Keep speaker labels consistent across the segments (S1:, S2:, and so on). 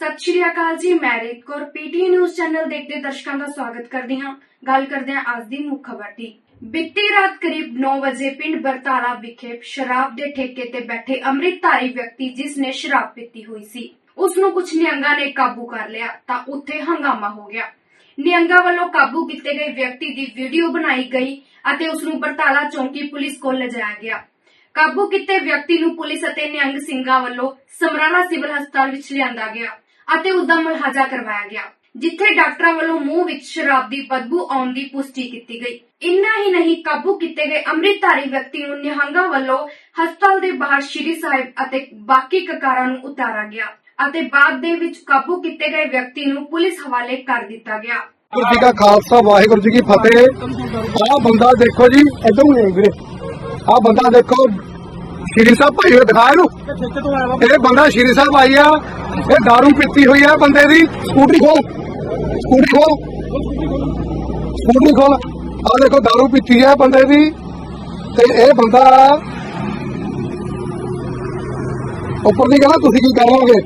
S1: सत श्री अकाल जी, मैं रेत कौर पीटीए न्यूज़ चैनल देखते दर्शकों का स्वागत करते हैं। गल करते हैं आज दी मुख्य खबर दी। बीती रात करीब 9 बजे पिंड बरताला विखे शराब के ठेके ते बैठे अमृतधारी व्यक्ति जिसने शराब पीती हुई सी उसनू कुछ निहंगा ने काबू कर लिया तां उत्थे हंगामा हो गया। निहंगा वालों काबू किए गए व्यक्ति की वीडियो बनाई गई अते उसनू बरताला चौकी पुलिस को ले जाया गया। काबू किए व्यक्ति नू पुलिस अते निहंग सिंघां वालों समराला सिविल हस्पताल विच लिआंदा गया अते उसदा मुलाजा करवाया गया, जिथे डॉक्टरां वालों मूंह विच शराब दी बदबू आउण दी पुष्टि की गई। इन्ना ही नहीं, काबू किए गए अमृतधारी व्यक्ति नू निहंगा वालों हस्पताल दे बाहर श्री साहिब अते बाकी ककारां नू उतारा गया अते बाद दे विच काबू किए गए व्यक्ति नू पुलिस हवाले कर दिता गया।
S2: वाहिगुरू जी का खालसा वाहिगुरू जी की फतेह। आ बंदा देखो जी, इधर आ बंदा देखो, श्री साहब भाई दिखा ये बंदा श्री साहब आई आ, ये दारू पीती हुई है बंदे दी। स्कूटरी खोल, स्कूटरी खोल, स्कूटरी खोल। आ देखो दारू पीती है बंदे दी ते ये बंदा उपर नहीं कहना तुसी की कर लोगे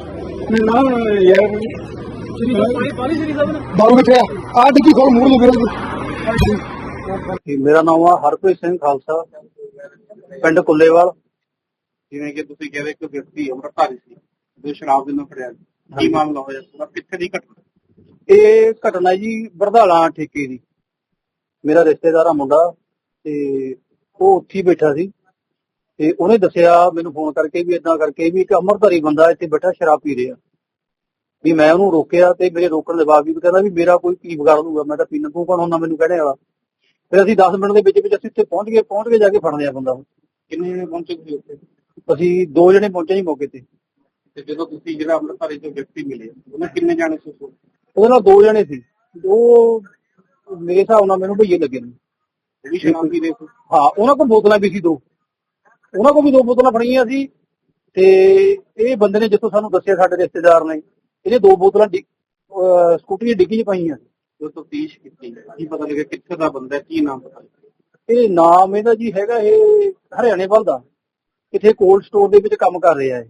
S2: दारू किथे आ डिग्गी खोल मूड़ लगे।
S3: मेरा नाम है हरप्रीत सिंह खालसा, पिंड कुल्लेवाल।
S4: ਜਿਵੇਂ ਕਿ ਤੁਸੀਂ ਕਹਿੰਦੇ ਕਿ ਵਿਅਕਤੀ ਅੰਮ੍ਰਿਤਧਾਰੀ ਸੀ ਜੋ ਸ਼ਰਾਬ ਦੇ ਨਾਲ ਫੜਿਆ ਕੀ ਮਾਮਲਾ ਹੋਇਆ ਪੂਰਾ ਕਿੱਥੇ ਦੀ ਘਟਨਾ?
S3: ਇਹ ਘਟਨਾ ਜੀ ਬਰਧਾਲਾ ਠੇਕੇ ਦੀ। ਮੇਰਾ ਰਿਸ਼ਤੇਦਾਰ ਆ ਮੁੰਡਾ ਤੇ ਉਹ ਉੱਥੇ ਬੈਠਾ ਸੀ ਤੇ ਉਹਨੇ ਦੱਸਿਆ ਮੈਨੂੰ ਫੋਨ ਕਰਕੇ ਵੀ ਇਦਾਂ ਕਰਕੇ ਵੀ ਇੱਕ ਅੰਮ੍ਰਿਤਧਾਰੀ ਬੰਦਾ ਇੱਥੇ ਬੈਠਾ ਸ਼ਰਾਬ ਪੀ ਰਿਹਾ। ਵੀ ਮੈਂ ਉਹਨੂੰ ਰੋਕਿਆ ਤੇ ਮੇਰੇ ਰੋਕਣ ਦੇ ਬਾਵਜੂਦ ਕਹਿੰਦਾ ਵੀ ਮੇਰਾ ਕੋਈ ਕੀ ਵਿਗਾੜ ਲੂਗਾ, ਮੈਂ ਤਾਂ ਪੀਣਾ, ਤੂੰ ਕੌਣ ਹੁੰਦਾ ਮੈਨੂੰ ਕਹਿਣੇ ਵਾਲਾ। ਫਿਰ ਅਸੀਂ 10 ਮਿੰਟ ਦੇ ਵਿੱਚ ਅਸੀਂ ਉੱਥੇ ਪਹੁੰਚ ਕੇ ਜਾ ਕੇ ਫੜ ਲਿਆ ਬੰਦਾ।
S4: ਕਿੰਨੇ ਜਣੇ ਪਹੁੰਚੇ ਤੁਸੀਂ ਉੱਥੇ?
S3: ਅਸੀਂ 2 ਜਣੇ ਪਹੁੰਚੇ ਜੀ ਮੌਕੇ ਤੇ।
S4: ਤੇ ਜਦੋਂ ਤੁਸੀਂ ਜਿਹੜਾ ਅੰਮ੍ਰਿਤਧਾਰੀ ਤੋਂ ਵਿਅਕਤੀ ਮਿਲੇ ਉਹਨਾਂ ਕਿੰਨੇ ਜਾਣੇ ਸੀ?
S3: ਉਹਦੇ ਨਾਲ 2 ਜਣੇ ਸੀ। ਉਹ ਮੇਰੇ ਹਿਸਾਬ ਨਾਲ ਮੈਨੂੰ ਭਈਏ ਲੱਗੇ ਨੇ।
S4: ਜਿਹੜੀ ਸ਼ਰਾਬ ਪੀ ਰਹੇ ਸੀ?
S3: ਹਾਂ, ਉਹਨਾਂ ਕੋਲ ਬੋਤਲਾਂ ਵੀ ਸੀ 2, ਉਹਨਾਂ ਕੋਲ ਵੀ 2 ਬੋਤਲਾਂ ਫੜੀਆਂ ਸੀ। ਤੇ ਇਹ ਬੰਦੇ ਨੇ ਜਿੱਥੋਂ ਸਾਨੂੰ ਦੱਸਿਆ ਸਾਡੇ ਰਿਸ਼ਤੇਦਾਰ ਨੇ, ਇਹਨੇ 2 ਬੋਤਲਾਂ ਸਕੂਟਰੀ ਦੀ ਡਿੱਗੀ 'ਚ ਪਾਈਆਂ।
S4: ਜੋ ਤਫਤੀਸ਼ ਕੀਤੀ ਕੀ ਪਤਾ ਲੱਗਿਆ ਕਿੱਥੇ ਦਾ ਬੰਦਾ, ਕੀ ਨਾਮ ਪਤਾ?
S3: ਇਹ ਨਾਮ ਇਹਦਾ ਜੀ ਹੈਗਾ, ਇਹ ਹਰਿਆਣੇ ਵੱਲ ਦਾ, ਕਿਥੇ ਕੋਲਡ ਸਟੋਰ ਦੇ ਵਿੱਚ ਕੰਮ ਕਰ ਰਿਹਾ।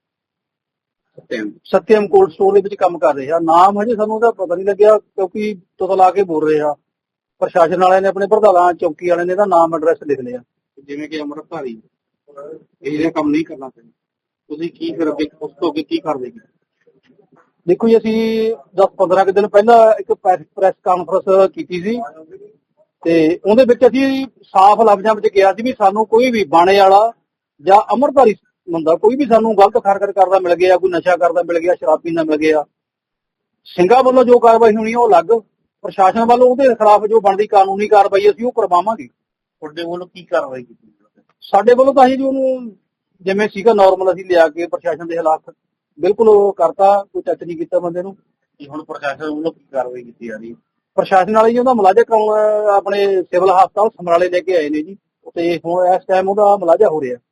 S3: ਇਹ ਸਤਿਅਮ ਕੋਲਡ ਸਟੋਰ ਦੇ ਵਿੱਚ ਕੰਮ ਕਰ ਰਿਹਾ। ਨਾਮ ਹਜੇ ਸਾਨੂੰ ਉਹਦਾ ਪਤਾ ਨਹੀਂ ਲੱਗਿਆ ਕਿਉਂਕਿ ਤੁਤ ਲਾ ਕੇ ਬੋਲ ਰਿਹਾ। ਪ੍ਰਸ਼ਾਸਨ ਵਾਲਿਆਂ ਨੇ, ਆਪਣੇ ਪ੍ਰਧਾਨਾਂ ਚੌਕੀ ਵਾਲਿਆਂ ਨੇ ਇਹਦਾ ਨਾਮ ਐਡਰੈਸ ਲਿਖ ਲਿਆ।
S4: ਜਿਵੇਂ ਕਿ ਅੰਮ੍ਰਿਤਧਾਰੀ ਇਹ ਜਿਹੜਾ ਕੰਮ ਨਹੀਂ ਕਰਨਾ ਚਾਹੀਦਾ, ਤੁਸੀਂ ਕੀ ਫਿਰ ਅੱਗੇ ਉਸ ਤੋਂ ਅੱਗੇ ਕੀ ਕਰਦੇ?
S3: ਦੇਖੋ ਜੀ, ਅਸੀਂ 10-15 ਦਿਨ ਪਹਿਲਾਂ ਇੱਕ ਪ੍ਰੈਸ ਕਾਨਫਰੰਸ ਕੀਤੀ ਸੀ ਤੇ ਉਹਦੇ ਵਿੱਚ ਅਸੀਂ ਸਾਫ਼ ਲਫ਼ਜ਼ਾਂ ਵਿੱਚ ਕਿਹਾ ਸੀ ਵੀ ਸਾਨੂੰ ਕੋਈ ਵੀ ਬਾਣੇ ਵਾਲਾ ਜਾਂ ਅੰਮ੍ਰਿਤਧਾਰੀ ਬੰਦਾ ਕੋਈ ਵੀ ਸਾਨੂੰ ਗਲਤ ਹਰਕਤ ਕਰਦਾ ਮਿਲ ਗਿਆ, ਕੋਈ ਨਸ਼ਾ ਕਰਦਾ ਮਿਲ ਗਿਆ, ਸ਼ਰਾਬ ਪੀਂਦਾ ਮਿਲ ਗਿਆ, ਸਿੰਘਾਂ ਵੱਲੋਂ ਜੋ ਕਾਰਵਾਈ ਹੋਣੀ ਉਹ ਅਲੱਗ, ਪ੍ਰਸ਼ਾਸਨ ਵੱਲੋਂ ਉਹਦੇ ਖਿਲਾਫ ਜੋ ਬਣਦੀ ਕਾਨੂੰਨੀ ਕਾਰਵਾਈ ਅਸੀਂ ਉਹ ਕਰਵਾਵਾਂਗੇ।
S4: ਤੁਹਾਡੇ ਵੱਲੋਂ ਕੀ ਕਾਰਵਾਈ ਕੀਤੀ?
S3: ਸਾਡੇ ਵੱਲੋਂ ਤਾਂ ਅਸੀਂ ਜੀ ਉਹਨੂੰ ਜਿਵੇਂ ਸੀਗਾ ਨਾਰਮਲ ਅਸੀਂ ਲਿਆ ਕੇ ਪ੍ਰਸ਼ਾਸਨ ਦੇ ਖਿਲਾਫ ਬਿਲਕੁਲ ਉਹ ਕਰਤਾ, ਕੋਈ ਟੱਚ ਨਹੀਂ ਕੀਤਾ ਬੰਦੇ ਨੂੰ।
S4: ਹੁਣ ਪ੍ਰਸ਼ਾਸਨ ਵੱਲੋਂ ਕੀ ਕਾਰਵਾਈ ਕੀਤੀ ਜਾ ਰਹੀ ਹੈ?
S3: ਪ੍ਰਸ਼ਾਸਨ ਵਾਲੇ ਜੀ ਉਹਦਾ ਮੁਲਾਜ਼ਾ ਕਰਾਉਣ ਆਪਣੇ ਸਿਵਲ ਹਸਪਤਾਲ ਸਮਰਾਲੇ ਲੈ ਕੇ ਆਏ ਨੇ ਜੀ, ਤੇ ਹੁਣ ਇਸ ਟਾਈਮ ਉਹਦਾ ਮੁਲਾਜ਼ਾ ਹੋ ਰਿਹਾ।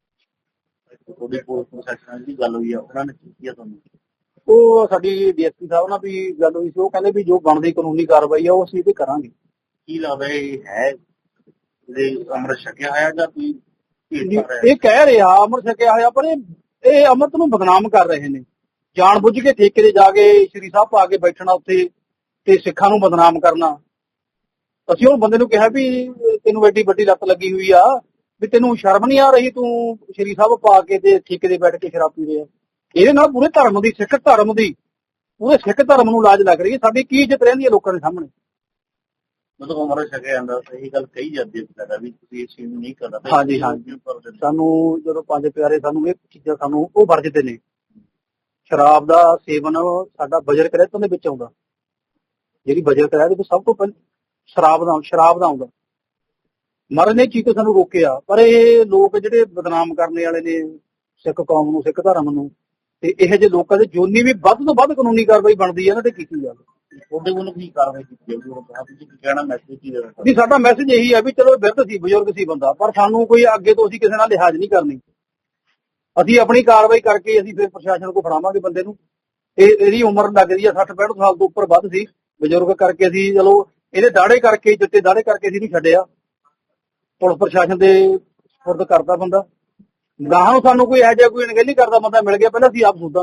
S4: ਤੁਹਾਡੀ ਪੁਲਿਸ ਪ੍ਰਸ਼ਾਸਨ ਦੀ ਗੱਲ ਹੋਈ ਆ, ਉਹਨਾਂ ਨੇ ਕੀ ਕੀਤਾ ਤੁਹਾਨੂੰ?
S3: ਉਹ ਸਾਡੀ ਡੀਐਸਪੀ ਸਾਹਿਬ ਨਾਲ ਵੀ ਗੱਲ ਹੋਈ ਸੀ, ਉਹ ਕਹਿੰਦੇ ਵੀ ਜੋ ਬਣਦੀ ਕਾਨੂੰਨੀ ਕਾਰਵਾਈ ਆ ਉਹ ਅਸੀਂ ਤੇ ਕਰਾਂਗੇ।
S4: ਕੀ ਲੱਗਦਾ ਇਹ ਹੈ ਅੰਮ੍ਰਿਤ ਛਕਿਆ ਹੋਇਆ ਜਾਂ ਕੋਈ
S3: ਇਹ ਕਹਿ ਰਿਹਾ ਅੰਮ੍ਰਿਤ ਛਕਿਆ ਹੋਇਆ, ਪਰ ਇਹ ਅੰਮ੍ਰਿਤ ਨੂੰ ਬਦਨਾਮ ਕਰ ਰਹੇ ਨੇ। ਜਾਣ ਬੁੱਝ ਕੇ ਠੇਕੇ ਤੇ ਜਾ ਕੇ ਸ਼੍ਰੀ ਸਾਹਿਬ ਪਾ ਕੇ ਬੈਠਣਾ ਉੱਥੇ ਤੇ ਸਿੱਖਾਂ ਨੂੰ ਬਦਨਾਮ ਕਰਨਾ। ਅਸੀਂ ਉਹ ਬੰਦੇ ਨੂੰ ਕਿਹਾ ਵੀ ਤੈਨੂੰ ਐਡੀ ਵੱਡੀ ਲੱਤ ਲੱਗੀ ਹੋਈ ਆ, ਵੀ ਤੈਨੂੰ ਸ਼ਰਮ ਨਹੀਂ ਆ ਰਹੀ, ਤੂੰ ਸ਼੍ਰੀ ਸਾਹਿਬ ਪਾ ਕੇ ਤੇ ਠੇਕੇ ਤੇ ਬੈਠ ਕੇ ਸ਼ਰਾਬ ਪੀ ਰਿਹਾ। ਇਹਦੇ ਨਾਲ ਪੂਰੇ ਧਰਮ ਦੀ, ਸਿੱਖ ਧਰਮ ਦੀ, ਪੂਰੇ ਸਿੱਖ ਧਰਮ ਨੂੰ ਲਾਜ ਲੱਗ ਰਹੀ ਹੈ। ਸਾਡੀ ਕੀ ਇੱਜ਼ਤ ਰਹਿੰਦੀ ਹੈ ਲੋਕਾਂ ਦੇ ਸਾਹਮਣੇ?
S4: ਮਤਲਬ ਅੰਮ੍ਰਿਤ ਛਕਿਆ ਜਾਂਦਾ, ਸਹੀ ਗੱਲ ਕਹੀ ਜਾਂਦੀ ਹੈ ਵੀ ਤੁਸੀਂ ਇਸ ਚੀਜ਼ ਨੂੰ ਨਹੀਂ ਕਰਨਾ।
S3: ਹਾਂਜੀ ਹਾਂਜੀ, ਸਾਨੂੰ ਜਦੋਂ 5 ਪਿਆਰੇ ਸਾਨੂੰ ਇਹ ਚੀਜ਼ਾਂ ਸਾਨੂੰ ਉਹ ਵਰਜਦੇ ਨੇ। ਸ਼ਰਾਬ ਦਾ ਸੇਵਨ ਸਾਡਾ ਬਜਰ ਕਰਿਆਤਾਂ ਦੇ ਵਿੱਚ ਆਉਂਦਾ, ਜਿਹੜੀ ਬਜਰ ਕਰਿਆਤ ਵਿੱਚ ਸਭ ਤੋਂ ਪਹਿਲਾਂ ਸ਼ਰਾਬ ਦਾ ਆਉਂਦਾ। ਮਹਾਰਾਜ ਨੇ ਚੀਜ਼ ਤੋਂ ਸਾਨੂੰ ਰੋਕਿਆ, ਪਰ ਇਹ ਲੋਕ ਜਿਹੜੇ ਬਦਨਾਮ ਕਰਨੇ ਵਾਲੇ ਨੇ ਸਿੱਖ ਕੌਮ ਨੂੰ, ਸਿੱਖ ਧਰਮ ਨੂੰ, ਤੇ ਇਹੋ ਜਿਹੇ ਲੋਕਾਂ ਦੇ ਜੋਨੀ ਵੀ ਵੱਧ ਤੋਂ ਵੱਧ ਕਾਨੂੰਨੀ ਕਾਰਵਾਈ ਬਣਦੀ ਹੈ ਨਾ ਤੇ ਕੀਤੀ ਜਾਵੇ।
S4: ਤੁਹਾਡੇ ਵੱਲੋਂ ਕੀ ਕਾਰਵਾਈ ਕੀਤੀ ਜਾਊਗੀ? ਤੁਸੀਂ ਕੀ ਕਹਿਣਾ, ਮੈਸੇਜ ਕੀ ਦੇਣਾ?
S3: ਜੀ ਸਾਡਾ ਮੈਸੇਜ ਇਹੀ ਹੈ ਵੀ ਚਲੋ ਬਿਰਧ ਸੀ, ਬਜ਼ੁਰਗ ਸੀ ਬੰਦਾ, ਪਰ ਸਾਨੂੰ ਕੋਈ ਅੱਗੇ ਤੋਂ ਅਸੀਂ ਕਿਸੇ ਨਾਲ ਲਿਹਾਜ਼ ਨਹੀਂ ਕਰਨੀ। ਅਸੀਂ ਆਪਣੀ ਕਾਰਵਾਈ ਕਰਕੇ ਅਸੀਂ ਫਿਰ ਪ੍ਰਸ਼ਾਸਨ ਕੋਲ ਫੜਾਵਾਂਗੇ ਬੰਦੇ ਨੂੰ। ਇਹਦੀ ਉਮਰ ਲੱਗ ਰਹੀ ਹੈ 60-65 ਸਾਲ ਤੋਂ ਉੱਪਰ ਵੱਧ ਸੀ, ਬਜ਼ੁਰਗ ਕਰਕੇ ਅਸੀਂ ਚਲੋ ਇਹਦੇ ਦਾੜੇ ਕਰਕੇ, ਚਿੱਟੇ ਦਾੜੇ ਕਰਕੇ ਅਸੀਂ ਨਹੀਂ ਛੱਡਿਆ, ਪੁਲਿਸ ਪ੍ਰਸ਼ਾਸਨ ਦੇ ਸਪੁਰਦ ਕਰਦਾ ਬੰਦਾ। ਗਾਹਾਂ ਨੂੰ ਸਾਨੂੰ ਕੋਈ ਇਹੋ ਜਿਹਾ ਕੋਈ ਅਣਗਹਿਲੀ ਕਰਦਾ ਬੰਦਾ ਮਿਲ ਗਿਆ, ਪਹਿਲਾਂ ਅਸੀਂ ਆਪ ਸੋਧਾਂਗੇ ਉਹਨੂੰ।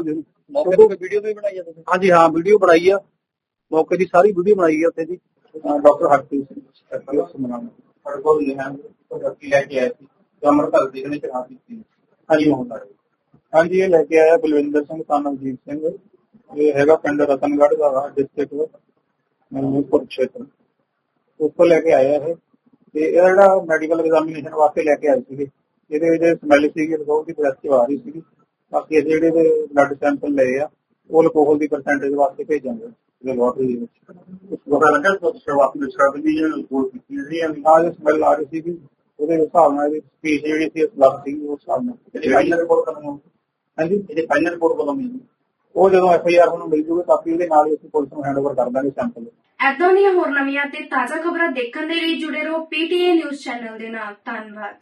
S3: ਮੌਕੇ ਤੇ ਵੀਡੀਓ ਵੀ ਬਣਾਈ ਆ ਤੁਸੀਂ? ਹਾਂਜੀ ਹਾਂ, ਵੀਡੀਓ ਬਣਾਈ ਆ, ਮੌਕੇ ਦੀ ਸਾਰੀ ਵੀਡੀਓ ਬਣਾਈ ਆ ਉੱਥੇ ਦੀ।
S4: ਡਾਕਟਰ ਹਰਪ੍ਰੀਤ ਸਿੰਘ ਸਮਨਾਮ ਸਾਡੇ ਕੋਲ ਵਿਅਕਤੀ ਲੈ ਕੇ ਆਏ ਸੀ ਜੋ ਅੰਮ੍ਰਿਤਸਰ ਦੇ ਨੇ ਸ਼ਰਾਬ ਪੀਤੀ। ਹਾਂਜੀ ਹੁੰਦਾ ਹਾਂਜੀ, ਇਹ ਲੈ ਕੇ ਆਇਆ ਬਲਵਿੰਦਰ ਸਿੰਘ son ਅਜੀਤ ਸਿੰਘ, ਇਹ ਹੈਗਾ ਪਿੰਡ ਰਤਨਗੜ੍ਹ ਦਾ ਡਿਸਟ੍ਰਿਕਟ ਕੁਰੂਕਸ਼ੇਤਰ, ਉੱਥੋਂ ਲੈ ਕੇ ਆਇਆ ਇਹ। ਤੇ ਇਹਦਾ ਜਿਹੜਾ ਮੈਡੀਕਲ ਐਗਜ਼ਾਮੀਨੇਸ਼ਨ ਵਾਸਤੇ ਲੈ ਕੇ ਆਏ ਸੀਗੇ, ਇਹਦੇ ਵਿੱਚ ਸਮੈਲ ਸੀਗੀ, ਅਲਕੋਹਲ ਦੀ ਪੋਜ਼ਿਟਿਵ ਆ ਰਹੀ ਸੀਗੀ। ਬਾਕੀ ਅਸੀਂ ਜਿਹੜੇ ਇਹਦੇ ਬਲੱਡ ਸੈਂਪਲ ਲਏ ਆ ਉਹ ਅਲਕੋਹਲ ਦੀ ਪਰਸੈਂਟੇਜ ਵਾਸਤੇ ਭੇਜਾਂਗੇ ਲੈਬੋਰਟਰੀ ਦੇ ਵਿੱਚ। ਪਤਾ ਲੱਗਾ ਸ਼ੁਰੂਆਤੀ ਵਿੱਚ ਸ਼ਰਾਬ ਦੀ ਰਿਪੋਰਟ ਕੀਤੀ ਸੀ ਹਾਂ, ਜੋ ਸਮੈਲ ਆ ਰਹੀ ਸੀਗੀ ਉਹਦੇ ਹਿਸਾਬ ਨਾਲ ਇਹਦੀ ਸਪੀਚ ਜਿਹੜੀ ਸੀ ਲੱਗ ਸੀਗੀ ਉਸ ਹਿਸਾਬ ਨਾਲ। ਇਹਦੀ ਫਾਈਨਲ ਰਿਪੋਰਟ ਕਦੋਂ? ਹਾਂਜੀ, ਇਹਦੀ ਫਾਈਨਲ ਰਿਪੋਰਟ ਕਦੋਂ ਮਿਲੇਗੀ? ਉਹ ਜਦੋਂ FIR ਨੂੰ ਮਿਲ ਜੂਗੀ ਕਾਪੀ, ਉਹਦੇ ਨਾਲ ਹੀ ਅਸੀਂ ਪੁਲਿਸ ਨੂੰ ਹੈਂਡਓਵਰ ਕਰ ਦਾਂਗੇ ਸੈਂਪਲ।
S1: ਏਦਾਂ ਦੀਆਂ ਹੋਰ ਨਵੀਆਂ ਤੇ ਤਾਜ਼ਾ ਖਬਰਾਂ ਦੇਖਣ ਦੇ ਲਈ ਜੁੜੇ ਰਹੋ PTA ਨਿਊਜ਼ ਚੈਨਲ ਦੇ ਨਾਲ। ਧੰਨਵਾਦ।